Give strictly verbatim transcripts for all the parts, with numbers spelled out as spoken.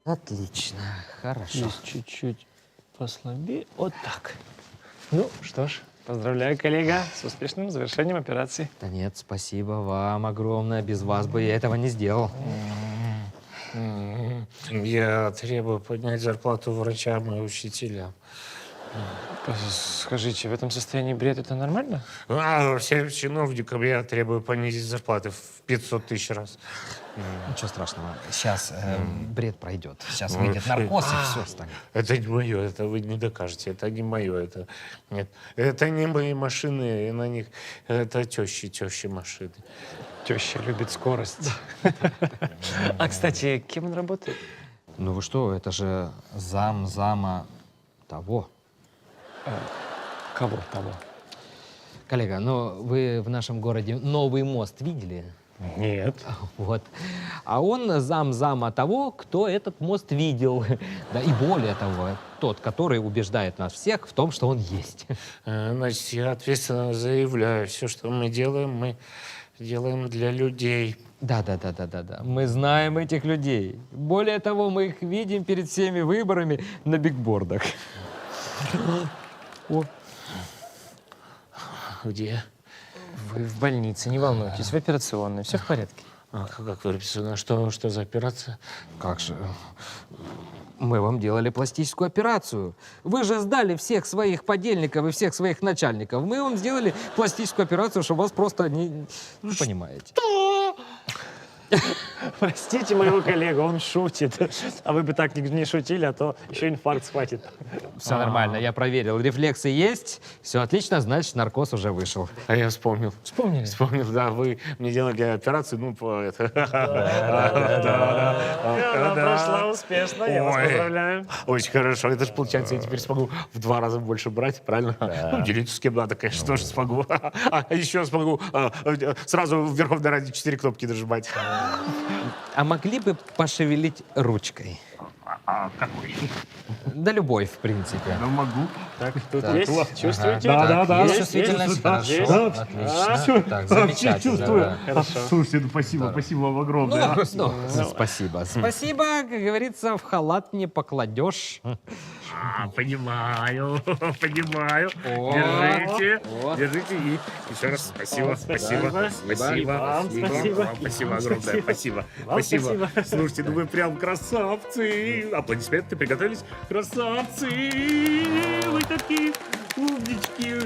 Отлично, хорошо. Здесь чуть-чуть послабее. Вот так. Ну, что ж, поздравляю, коллега, с успешным завершением операции. Да нет, спасибо вам огромное. Без вас бы я этого не сделал. Я требую поднять зарплату врачам и учителям. Скажите, в этом состоянии бред это нормально? А всем чиновникам я требую понизить зарплаты в пятьсот тысяч раз. Ничего страшного. Сейчас э, бред пройдет. Сейчас выйдет наркоз и все станет. Это не мое, это вы не докажете. Это не мое, это нет. Это не мои машины, и на них это тещи, тещи машины. Теща любит скорость. А, кстати, кем он работает? Ну вы что, это же зам зама того. Кого того? Коллега, ну вы в нашем городе новый мост видели? Нет. Вот. А он зам зама того, кто этот мост видел. Да и более того, тот, который убеждает нас всех в том, что он есть. Значит, я ответственно заявляю, все, что мы делаем, мы делаем для людей. Да, да, да, да, да, да. Мы знаем этих людей. Более того, мы их видим перед всеми выборами на бигбордах. О. Где? Вы в больнице, не волнуйтесь, в операционной, все в порядке. А как вы написано? Что, что за операция? Как же? Мы вам делали пластическую операцию. Вы же сдали всех своих подельников и всех своих начальников. Мы вам сделали пластическую операцию, чтобы вас просто не... Ну, понимаете. Простите моего коллегу, он шутит. А вы бы так не шутили, а то еще инфаркт схватит. Все нормально, я проверил. Рефлексы есть, все отлично, значит, наркоз уже вышел. А я вспомнил. Вспомнили? Вспомнил, да, вы мне делали операцию, ну, по это. Она прошла успешно, я вас поздравляю. Очень хорошо. Это же получается, я теперь смогу в два раза больше брать, правильно? Ну, делиться с кем надо, конечно, тоже смогу. А еще смогу сразу в Верховной Раде четыре кнопки нажимать. А могли бы пошевелить ручкой? А какой? Да любой, в принципе. Ну, могу. Так, тут Так. есть? Чувствуете? Да, Так, да, да. есть, Чувствительность, есть, хорошо, есть. отлично. Так, замечательно. чувствую. да. Хорошо. Слушайте, ну спасибо, спасибо вам огромное. Ну, ну, спасибо. Спасибо, как говорится, в халат не покладешь. А, понимаю, понимаю. О, Держите, о. держите. И еще раз спасибо, спасибо, Спасибо. спасибо. Вам спасибо. Вам спасибо огромное, спасибо. Вам Спасибо. спасибо. Слушайте, ну вы прям красавцы. Аплодисменты приготовились. Красавцы. Вы такие умнички.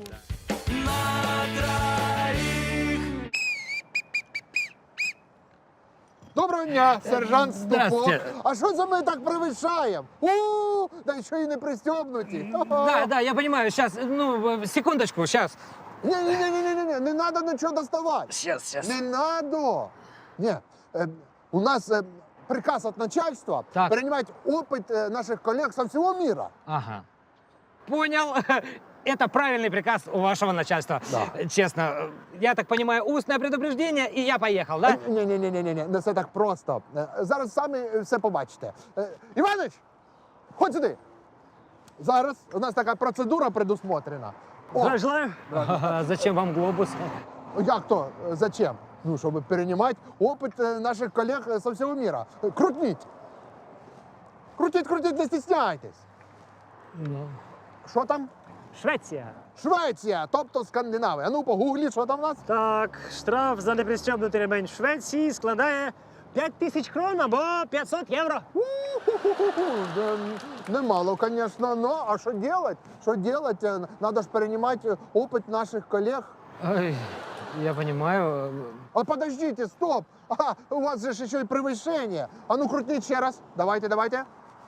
Доброго дня, сержант Ступок. Здравствуйте. А що це ми так перевищаємо? У, да ще й не пристебнуті. Да, да, я понимаю, сейчас, ну, секундочку, сейчас. Ні-ні-ні, не треба нічого доставати. Сейчас, сейчас. Не надо. Ні, е, у нас е, приказ від начальства Так. переймати опит е, наших колег со всього мира. Ага. Понял. Это правильный приказ у вашего начальства. Да. Честно, я так понимаю, устное предупреждение, и я поехал, да? Ні-ні-ні, не все так просто. Е, Зараз самі все побачите. Е, Іванич, ходь сюди. Зараз у нас така процедура предусмотрена. О, Желаю. А зачем вам глобус? Як то? Е, Зачем? Ну, щоб переймати опит е, наших колег е, со всього мира. Е, Крутніть. Крутіть, крутіть, не стісняйтесь. Що там? Швеція. Швеція, тобто Скандинавія. А ну, погугліть, що там у нас? Так, штраф за непристебнутий ремень в Швеції складає п'ять тисяч крон або п'ятсот євро. У-ху-ху-ху-ху. Да, немало, звісно, но а що делать? Що делать? Е, Надо ж переймати опит наших колег. Ой, я понимаю. А подождите, стоп! Ага, у вас же ж еще и превышение. А ну крутніть ще раз. Давайте, давайте.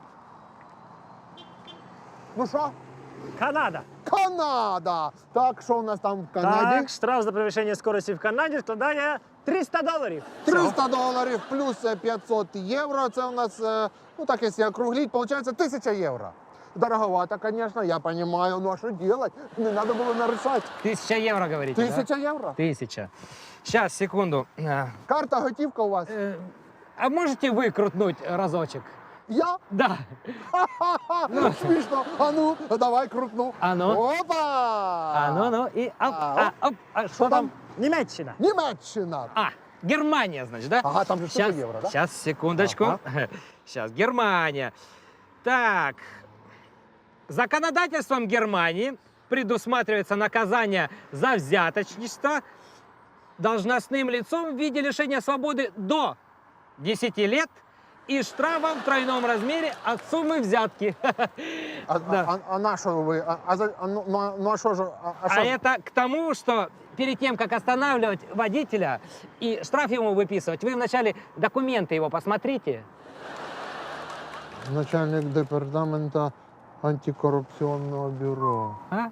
Ну що? Канада. Канада! Так, що у нас там в Канаді? Так, штраф за перевищення скорості в Канаді складає триста доларів. триста доларів плюс е, п'ятсот євро. Це у нас, е, ну так, якщо округлить, виходить тисяча євро. Дороговато, конечно, я понимаю, ну а что делать? Не надо было нарушать. Тысяча евро, говорите, Тысяча да? евро. Тысяча. Сейчас, секунду. А, Карта, готівка у вас. э, а можете вы крутнуть разочек? Я? Да. Ха-ха-ха! Смішно. А ну, давай крутну. А ну. Опа! А ну, ну, и оп, А, а, оп. А что там? Німеччина. Німеччина. А, Германия, значит, да? Ага, там же что-то Сейчас, евро, да? сейчас, секундочку. Сейчас, Германия. Так, законодательством Германии предусматривается наказание за взяточничество должностным лицом в виде лишения свободы до десяти лет и штрафом в тройном размере от суммы взятки. А, Да. а, а на що ви? А, а, за- а, ну, ну, а- ну, а що ж? А, а А що ж? это к тому, что перед тем, как останавливать водителя и штраф ему выписывать, вы вначале документы его посмотрите. Начальник департамента антикоррупционного бюро. А?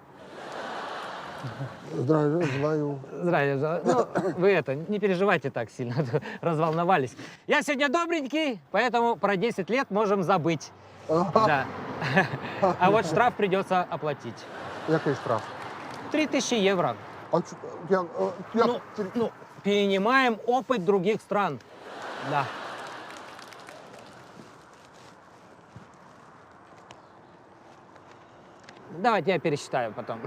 Здравия желаю. Здравия желаю. Ну, вы это, не переживайте так сильно, а то разволновались. Я сегодня добренький, поэтому про десять лет можем забыть. Да. А вот штраф придется оплатить. Який штраф? Три тысячи евро. А чо- як, е, як, Ну, ну, перенимаем опыт других стран. Да. Давайте я пересчитаю потом.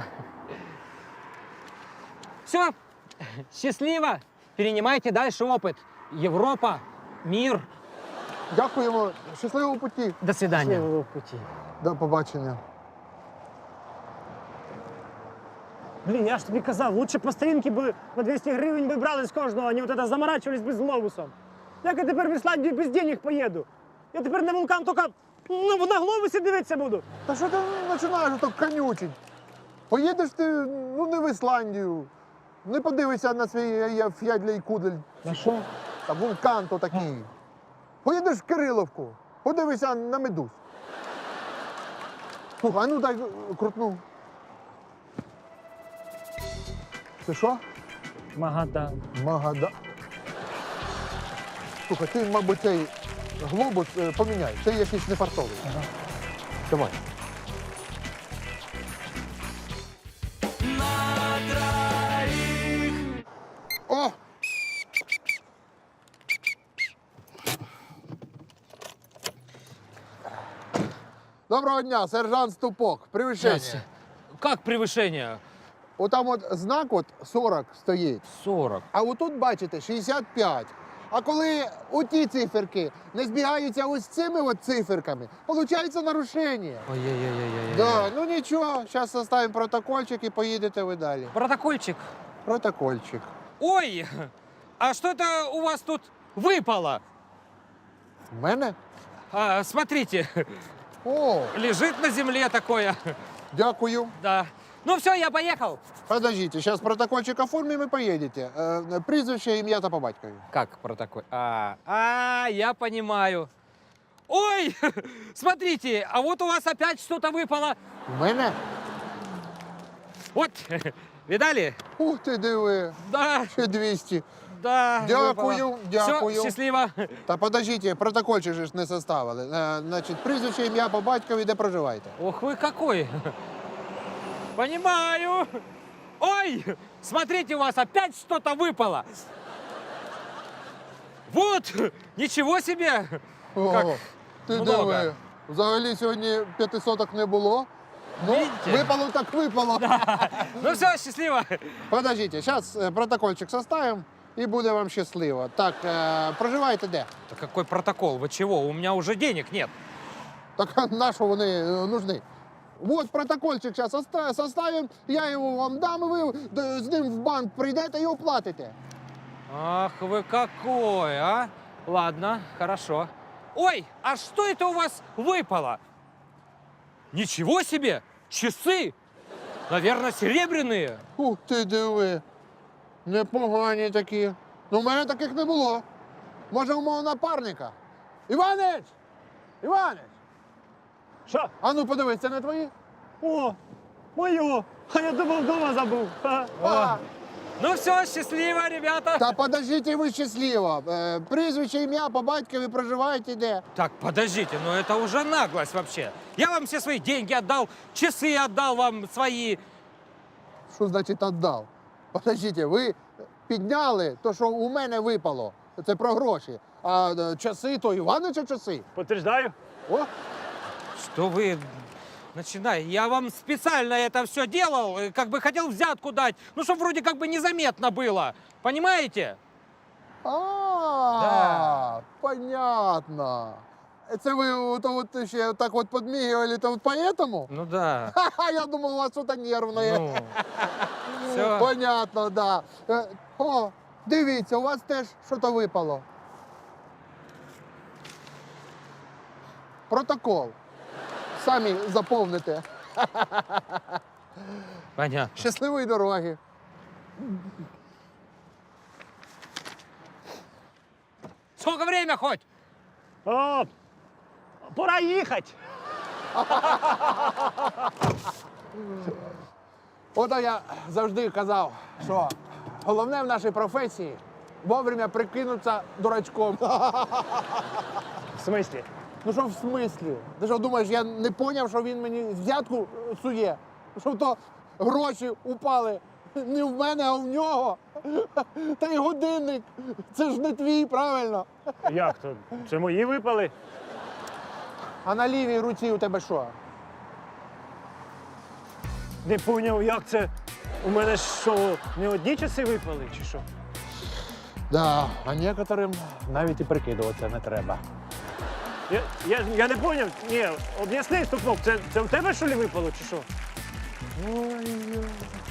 Все, счастливо. Перенимайте дальше опыт. Европа, мир. Дякуємо. Щасливого путі. До свидания. Счастливого пути. До побачення. Блін, я ж тобі казав, лучше по старінки би по двісті гривень би брали з кожного, а не от это заморачивались би з глобусом. Як я тепер в Ісландію без денег поїду? Я тепер на вулкан тільки ну, на глобусі дивитися буду. Та що ти починаєш так конючить? Поїдеш ти, ну, не в Ісландію. Не подивишся на свій е, ф'ядлій кудель. На що? Та вулкан то такий. Поїдеш в Кириловку, подивися на медуз. Слухай, а ну дай е, крутну. Це що? Магадан. Магада. Слухай, ти, мабуть, цей глобус е, поміняй. Це якийсь нефартовий. Ага. Давай. О! Доброго дня, сержант Ступок. Превышение. Как превышение? Отам от знак от сорок стоїть. сорок. А отут, бачите, шістдесят п'ять. А коли оті циферки не збігаються ось цими от циферками, виходить нарушення. Ой-ой-ой-ой-ой. Да, ну нічого, зараз составимо протокольчик і поїдете ви далі. Протокольчик. Протокольчик. Ой, а что это у вас тут выпало? В мене? А, смотрите, О, лежит на земле такое. дякую. Да. Ну все, я поехал. Подождите, сейчас протокольчик оформим и поедете. Э, прізвище, ім'я та по батькові. Как протокол? А, а, я понимаю. Ой, смотрите, а вот у вас опять что-то выпало. В мене? Вот, видали? Ух ти, диви. Да, Ще двісті. да. Дякую, дякую. Все, счастливо. Та подождите, протокольчик же ж не составили. Е, значить, прізвище, ім'я по батькові, де проживаєте? Ох вы какой. Понимаю. Ой, смотрите, у вас опять что-то выпало. Вот, ничего себе. О, Как ти много. диви. Взагалі сьогодні п'ятисоток не було. Ну, Видите? випало так випало. Ну все, счастливо. Подождите, зараз протокольчик составим і буде вам щасливо. Так, е, проживаєте де? Да какой протокол? Вы чего? У меня уже денег нет. Так а на що вони е, нужны? Вот протокольчик зараз составим, я його вам дам, і ви д- з ним в банк прийдете і оплатите. Ах вы какой, а? Ладно, хорошо. Ой, а что это у вас выпало? Ничего себе! Часы! Наверное, серебряные. Ух ти, диви. Непогані такі. Ну, в мене таких не було. Може, у мого напарника? Іванич! Іванич! Що? А ну подивись, це не твої? О, моє. А я думав, вдома забув. Ха. А, Ну все, счастливо, ребята. та подождіть, ви щасливо. Е, прізвище, ім'я по батькові проживаєте де? Так, подождите, но это уже наглость вообще. Я вам все свои деньги отдал, часы отдал вам свои. Що значить віддав? Подождіть, ви підняли то, що у мене випало. Це про гроші. А е, часи, то Іванича часи. Подтверждаю. О, Что вы начинаете? Я вам специально это все делал, э, как бы хотел взятку дать, ну, чтобы вроде как бы незаметно было. Понимаете? А, понятно. Це ви от, от ще так от подмигивали, то вот поэтому? Ну да. Ха-ха, я думал, у вас что-то нервное. Ну, все. Понятно, да. Е, О, дивіться, у вас теж щось випало. Протокол. Самі заповните. Понятно. Щасливої дороги. Сколько время хоть? О, пора їхати. Ото я завжди казав, що головне в нашій професії вовремя прикинутися дурачком. В смислі? Ну що в смислі? Ти що думаєш, я не поняв, що він мені взятку сує? Що то гроші упали не в мене, а в нього? Та й годинник. Це ж не твій, правильно? Як то? Це мої випали? А на лівій руці у тебе що? Не поняв, як це? У мене що, не одні часи випали, чи що? Да, а некоторим навіть і прикидуватися не треба. Я, я, я не поняв. Ні, об'ясни, Стукнув, це, це в тебе що ли випало, чи що? Ой,